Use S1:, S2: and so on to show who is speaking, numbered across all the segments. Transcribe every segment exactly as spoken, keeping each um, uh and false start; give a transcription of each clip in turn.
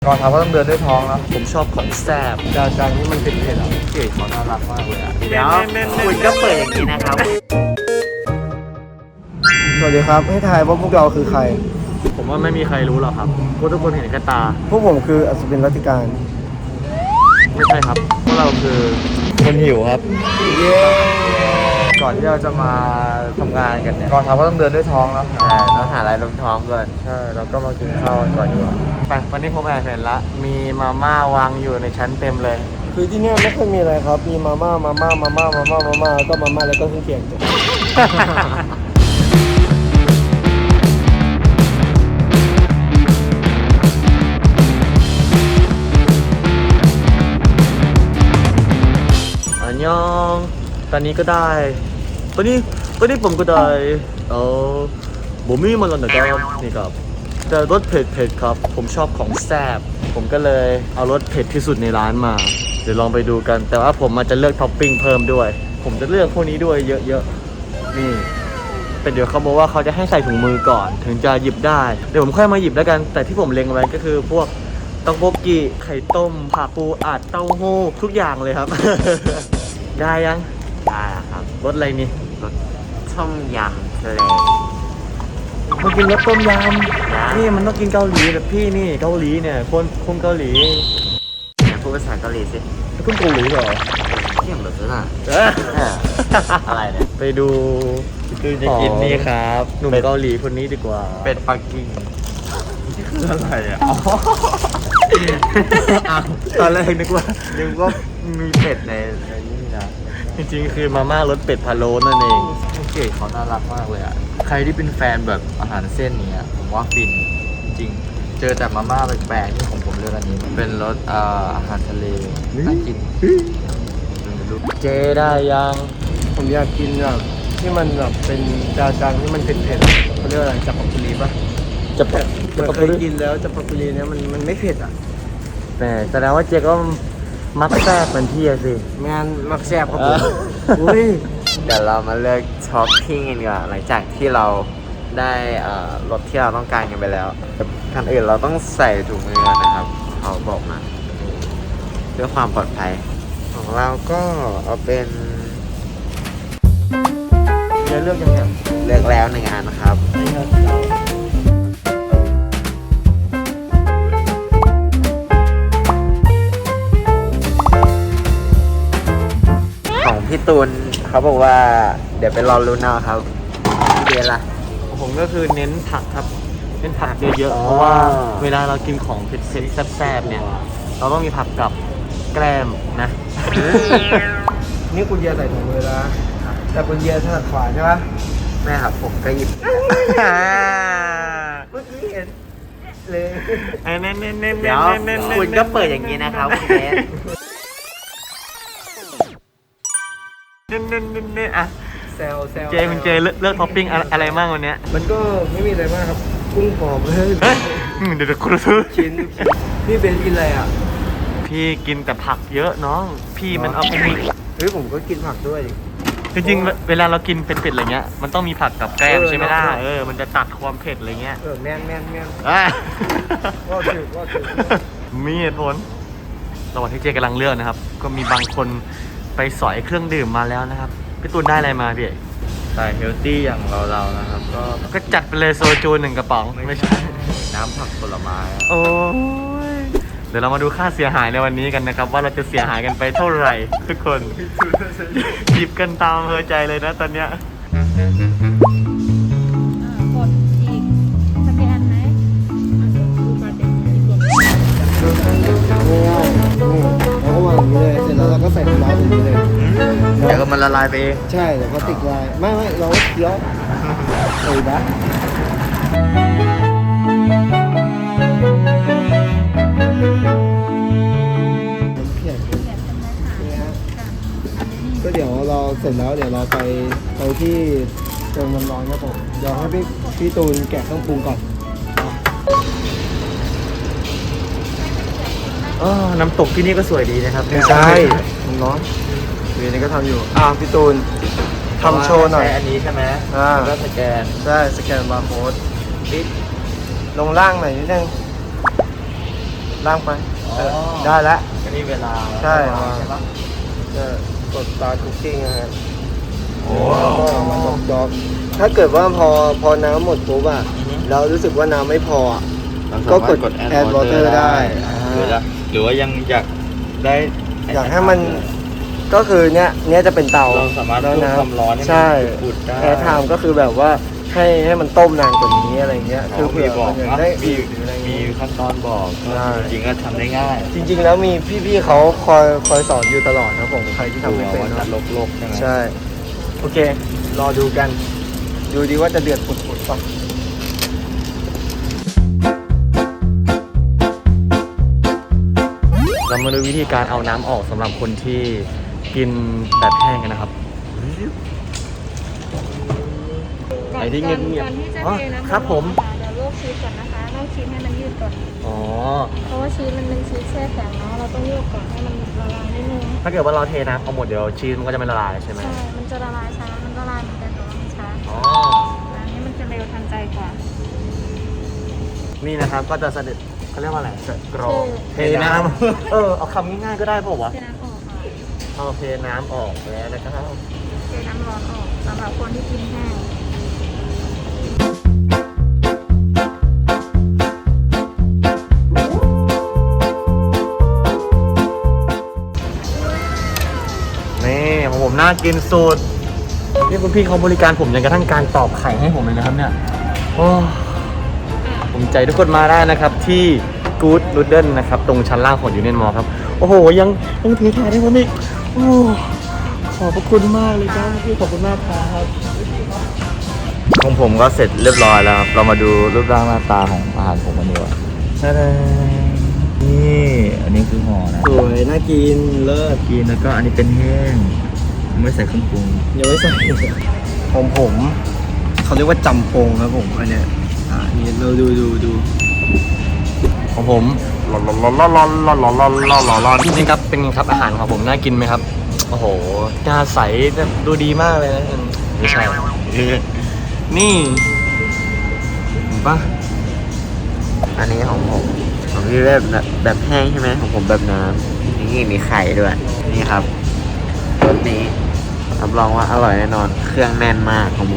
S1: ก่อนทำก็ต้องเดินด้วยท้องนะผมชอบของแซ่บ
S2: จานจานที่มันเผ็ดๆอ่ะ
S1: เก๋เขาน่ารักมากเลยอ่ะ
S3: เดี๋ยวคุณก็เปิดอย่างนี้นะครับ
S2: สวัสดีครับให้ทายว่าพวกเราคือใคร
S1: ผมว่าไม่มีใครรู้หรอกครับเพราะทุกคนเห็นแค่ตา
S2: พวกผมคืออัศวินรัตติการ
S1: ไม่ใช่ครับพวกเราคือคนหิวครับ
S2: เย้
S1: ก่อนที่เราจะมาทำงานกันเนี่ยก่อนทำก็ต้องเดินด้วยท้องนะ
S3: ใช่ต้องหาอะไรลงท้องก่อน
S1: ใช่เราก็มากินข้าวกันก่อนดีกว่าไปวันนี้ผมแอบเห็นละมีมาม่าวางอยู่ในชั้นเต็มเลย
S2: คือที่เนี่ยไม่ค่อยมีอะไรครับมีมาม่ามาม่ามาม่ามาม่ามาม่าแล้วก็มาม่าแล้วก็เครื่องเคียงจบ
S1: อันยองตอนนี้ก็ได้ตอนนี้ตอนนี้ผมก็ได้เออผมมีมันแล้วนะครับนี่ครับแต่รสเผ็ดเผ็ดครับผมชอบของแซ่บผมก็เลยเอารสเผ็ดที่สุดในร้านมาเดี๋ยวลองไปดูกันแต่ว่าผมอาจจะเลือกท็อปปิ้งเพิ่มด้วยผมจะเลือกพวกนี้ด้วยเยอะๆนี่เป็นเดี๋ยวเขาบอกว่าเขาจะให้ใส่ถุงมือก่อนถึงจะหยิบได้เดี๋ยวผมค่อยมาหยิบแล้วกันแต่ที่ผมเล็งไว้ก็คือพวกต๊อกโบกกิไข่ต้มผักปูอัดเต้าหู้ทุกอย่างเลยครับ ได้ยัง
S3: ได้ครับ
S1: รสอะไรนี่
S3: รสต้มยำทะเล
S1: มากินรสต้มย
S3: นะ
S1: ำนี่มันต้องกินเกาหลีแบบพี่นี่เกาหลีเนี่ยคนคนเกาหลี
S3: อยากพูดภาษาเกาหลีสิ
S1: คุณเกาหลีเหรอ
S3: เที่ยงหรือน่ะ
S1: เออ
S3: อะไรเนี่ย
S1: ไปดู
S3: คือจะกินนี่ครับ
S1: หนุ่มเกาหลีคนนี้ดีกว่า
S3: เป็ดปักกิ่งนี่คืออะไรอ่ะ
S1: อ้าวตอนแรกนึกว่า
S3: นึกว่ามีเป็ดในในนี่นะ
S1: จริงๆคือมาม่ารสเป็ดพะโล้นั่นเอง
S3: เก๋เขาน่ารักมากเลยอ่ะใครที่เป็นแฟนแบบอาหารเส้นเนี้ยผมว่าฟินจริงๆเจอแต่มาม่าแปลกๆนี่ของผมเลือกอันนี้เป็นรสอ่าอาหารทะเลน่ากินดู
S1: เจได้ยัง
S2: ผมอยากกินแบบที่มันแบบเป็นจานจานที่มันเผ็ดๆอะเขาเรียกอะไรจับปักกุลีปะ
S1: จะ
S2: แต่
S1: จะ
S2: แต่
S1: ปะ
S2: เค
S1: กุ
S2: ย
S1: ลิ
S2: กินแล้วจับปักกุลีเนี่ยมันมันไม่เผ็ดอ่ะ
S1: แหมแสดงว่าเจก็มักแซ่บเหมือนพี่อะสิ
S2: งานมักแซ่บครับผม
S1: เออ
S2: อุ้ย
S3: เดี๋ยวเรามาเลือกช้อปปิ้งกันดีกว่าหลังจากที่เราได้เอ่อรถที่เราต้องการกันไปแล้วขั้นอื่นเราต้องใส่ถุงมือก่อนนะครับเขาบอกมาเพื่อความปลอดภัยของเราก็เอาเป็น
S1: เจเลือกยังไง
S3: เลือกแล้วหนึ่งอันนะครับของพี่ตูนเขาบอกว่าเดี๋ยวไปรอรุ้นเอาครับพี่เบียร์ล่ะ
S1: ผมก็คือเน้นผักครับเน้นผักเยอะๆเพราะว่าเวลาเรากินของเผ็ดๆแซ่บๆเนี่ยเราต้องมีผักกับแกล้มนะ
S2: นี่คุณเยียใส่ถุงมือแล้วแต่คุณเยียถนัดขวาใช่ปะ
S3: แม่ครับผมก็หยิบ
S2: เมื่อกี้เห็นเลย
S3: เดี๋ยวคุณก็เปิดอย่างนี้นะครับคุณเบส
S1: อ่ะ
S2: แซวแซว
S1: เจคุณเจเลือกเลือกท็อปปิ้งอะไรอะไรบ้างวันเนี้ย
S2: มันก็ไม่มีอะไรมากครับกุ้งหอมเลย
S1: เฮ้ยอืมเดี๋ยวเดี๋ยวคุณซื้อ
S2: ชิ้นพี่เบนกินอะไรอ่ะ
S1: พี่กินแต่ผักเยอะน้อง พี่มันเอาไปมี
S2: เฮ้ยผมก็กินผักด้วย
S1: จริงๆเวลาเรากินเป็ดๆอะไรเงี้ยมันต้องมีผักกับแกล้ม
S2: เออ
S1: ใช่ไหมล่ะ
S2: เนอะ
S1: เออมันจะตัดความเผ็ดอะไรเงี้ย
S2: เออแมนแมนแมน
S1: อ่ะ
S2: ว่าถือว่าถือ
S1: มีเหตุผลระหว่างที่เจกำลังเลือกนะครับ ก็มีบางคนไปสอยเครื่องดื่มมาแล้วนะครับพี่ตูนได้อะไรมาพี่
S3: สายเฮลตี้อย่างเราๆนะครับ ก็
S1: ก็จัดไปเลยโซจูหนึ่งกระป๋องไม่ใช่
S3: น้ำผักผลไม้
S1: โอ้ยเดี๋ยวเรามาดูค่าเสียหายในวันนี้กันนะครับ ว่าเราจะเสียหายกันไปเท่าไหร่ทุกคน หยิบกันตามอำเพอใจเลยนะตอนเนี้ย
S4: กดอีกสแกนไหมดูมาเต็มที่กด
S2: ง่ายๆนี่แล้วก็วางอย่างนี้เลยเสร็จแล้วเราก็ใส่ถุงเท้าอย่างนี้เลย
S3: เดี๋ยวมันละลายไปเอง
S2: ใช่เดี๋ยวก็ติดลายไม่ไม่เราก็เคี้ยวใส่บ้าเพียง
S4: เขียนเป็นไม้ขาว
S2: นี่ฮะ
S4: กัน
S2: ก็เดี๋ยวเราเสร็จแล้วเดี๋ยวเราไปไปที่เติมน้ำร้อนครับผมเดี๋ยวให้พี่พี่ตูนแกะเครื่องปรุงก่อน
S1: อ๋อน้ำตกที่นี่ก็สวยดีนะครับ
S2: ไม่ใช่น้ำร้อนอยู่นี่ก็ทำอยู่อ่าพี่ตูนทำโชว์หน่อย
S3: ใช้อันนี้ใช่ไหม
S2: อ่า
S3: แล้วก็สแกน
S2: ใช่สแกนบาร์โค้ดปิ๊บลงล่างหน่อยนิดนึงล่างไป
S1: อ๋อ
S2: เออได้แล้ว
S1: ก็นี่เวลา
S2: ใช่
S1: ใช่ปะ
S2: จะกด start cooking นะฮะแล้วก็เอามาจอกจอกถ้าเกิดว่าพอพอน้ำหมดปุ๊บอะแล้วรู้สึกว่าน้ำไม่พออะ ก็กด add water ได้อ่า
S1: หรือว่าหรือว่ายังอยากได้
S2: อยากให้มันก็คือเนี้ยเนี้ยจะเป็นเตา
S1: เราสามารถ
S2: แล้ว
S1: เพิ่ม
S2: นะ
S1: ความร้อนให้มัน
S2: ใช่
S1: อุดได้
S2: แอร์ไทม์ก็คือแบบว่าให้ให้มันต้มนานกว่านี้อะไรเงี้ย คือเผื่อ
S1: บอก
S2: มันจะ
S1: นะ
S2: ได้
S1: มี
S2: อืดหรืออะไร
S1: มี
S2: เงี้ย
S1: ขั้นตอนบอก
S2: ใช่
S1: จริงๆก็ทำได้ง่าย
S2: จริง ๆ แล้วมีพี่ๆเขาคอยคอยสอนอยู่ตลอดนะผมใครที่ทำไม่เป็น
S1: ว่าจะ
S2: เนาะ
S1: ลบๆใช่ไหม
S2: ใช่ โอเค รอดูกัน ดูดีว่าจะเดือดปุดๆป่ะ
S1: เรามาดูวิธีการเอาน้ำออกสำหรับคนที่กินแบบแห้งกันนะครับ
S4: ก่อน
S1: ไอ้ที่เงียบๆ
S4: ก่อนที่จะ
S1: อ๋อ
S4: เทน้ำ
S1: ครับผม
S4: เดี๋ยวลวกชีสก่อนนะคะลวกชีสให้มันยืดก่อน
S1: อ๋อ
S4: เพราะว่าชีสมันเป็นชีสแช่แข็งเนาะเราต้องลวกก่อนให้มันละลายนิดนึง
S1: ถ้าเกิดว่าเราเทน้ำเอาหมดเดี๋ยวชีสมันก็จะไม่ละลายใช่ไหม
S4: ใช่ มันจะละลายช้า มันละลายเหมือนกันแต่ว่ามันช้า
S1: อ๋อ
S4: อันนี้มันจะเร็วทันใจกว่า
S1: นี่นะครับก็จะเสด็จเขาเรียกว่าอะไรกรอง
S4: เท
S1: เทน้ำ เออเอาคำง่ายๆก็ได้เปล่าวะ
S4: เทน้ำออกค่ะ
S1: เอาเทน้ำออกแล้วนะครับ
S4: เทน้ำร้อนออกสำหรับคนที่กินแห้ง
S1: นี่ของผมน่ากินสุดนี่คุณพี่เขาบริการผมจนกระทั่งการตอกไข่ให้ผมเลยนะครับเนี่ยโอ้ผมใจทุกคนมาได้นะครับที่ Good Noodle นะครับตรงชั้นล่างของ Union Mall ครับโอ้โหยังยังถือถ่ายได้ผมอีกโอ้ขอบพระคุณมากเลยครับพี่ขอบคุณมากครับของผมก็เสร็จเรียบร้อยแล้วครับเรามาดูรูปร่างหน้าตาของอาหารผมกันดีกว่านี่อันนี้คือห่อนะ
S2: สวยน่ากิน เลิศ
S1: กินแล้วก็อันนี้เป็นแห้งไม่ใส่เครื่องปรุง
S2: ยังไม่ใส่ของผม เขาเรียกว่าจำปงครับผมอันเนี้ยอ่านี่เราดูดูดู
S1: ของผมร้อนร้อนร้อนร้อนร้อนร้อนร้อนร้อนร้อนร้อนจริงๆครับเป็นไงครับอาหารของผมน่ากินไหมครับโอ้โหหน้าใสดูดีมากเลยนะไม่ใช่นี่เห็นปะ
S3: อันนี้ของผมของพี่แบบแบบแห้งใช่ไหมของผมแบบน้ำนี่มีไข่ด้วยนี่ครับรสนี้รับรองว่าอร่อยแน่นอนเครื่องแน่นมากของผม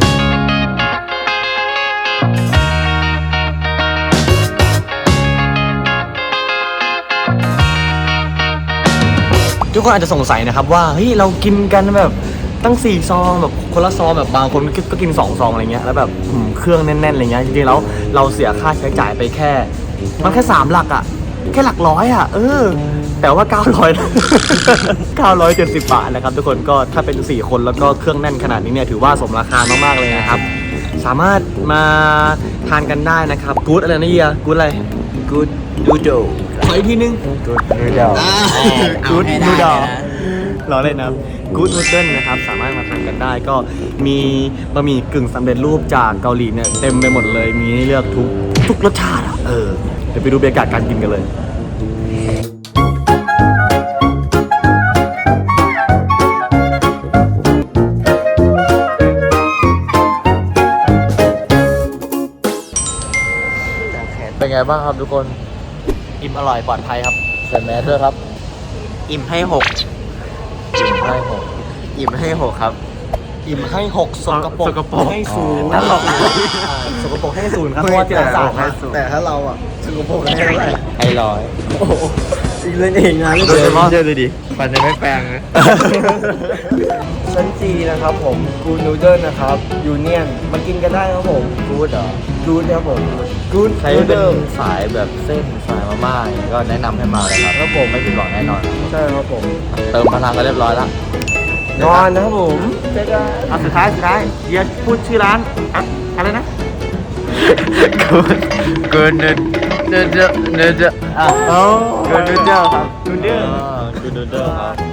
S1: ทุกคนอาจจะสงสัยนะครับว่าเฮ้ยเรากินกันแบบตั้งสี่ซองแบบคนละซองแบบบางคนก็กินสองซองอะไรเงี้ยแล้วแบบอืมเครื่องแน่นๆอะไรเงี้ยจริงๆแล้วเราเสียค่าใช้จ่ายไปแค่มันแค่สามหลักอ่ะแค่หลักร้อยอ่ะเออแต่ว่าเก้าร้อย เก้าร้อยเจ็ดสิบบาทนะครับทุกคนก็ถ้าเป็นสี่คนแล้วก็เครื่องแน่นขนาดนี้เนี่ยถือว่าสมราคามากๆเลยนะครับสามารถมาทานกันได้นะครับกู๊ดอะไรนะเฮียกู๊ดอะไร
S2: Good Noodle
S1: ขออีกทีนึง
S3: กูดนูเดิล
S1: กู๊ดนูดอรอเลยนะกู๊ดนูเดิลนะครับสามารถมาทานกันได้ก็มีบะหมี่กึ่งสำเร็จรูปจากเกาหลีเนี่ยเต็มไปหมดเลยมีให้เลือกทุกทุกรสชาติอะเออเดี๋ยวไปดูบรรยากาศการกินกันเลยเป็นไงบ้างครับทุกคนอิ่มอร่อยปลอดภัยครับใส่แมสด้วยครับ
S3: อิ่มให้หก
S1: อิ่มให้หก
S3: อิ่มให้หกครับ
S1: อิ่มให้หกสกปรก
S3: สกปรก
S1: ให้ศูนย์
S3: ตลก
S1: อ่าสกปรกให้ศูนย์ครับเพราะว่าจิตอาสา
S3: ให้ศูนย์
S2: แต่ถ้าเราอ่ะถึงกับผมได้เท่าไหร่
S3: ไอ้ร้อย
S2: โอ้โหอีกเล่นเองนะ
S1: โดยเฉพาะ
S3: เยอะเลยดิปันจะไม่แปลงนะ
S2: ชั้นจีนะครับผม Good Noodle นะครับยูเนียนมากินกันได้ครับผม
S1: กูดเหรอ
S2: Good ครับผม Good
S1: ใครที่เป็น
S2: Noodle
S1: สายแบบเส้นสายมาม่าอย่างเงี้ยก็แนะนำให้มาเลยครับครับผมไม่ผิดหวังแน่นอน
S2: ใช่ครับผม
S1: เติมพลังกันเรียบร้อยแล้ว
S2: นอนนะครับผมเจอกัน
S1: เอาสุดท้ายสุดท้ายเฮียพูดชื่อร้านอะอะไรนะ
S3: กูกูนูนูเดิลนูเดิล
S1: อ่ะ
S2: โอ้
S3: กูนูเดิลครับ
S1: นูเดิลกูนูเดิลครับ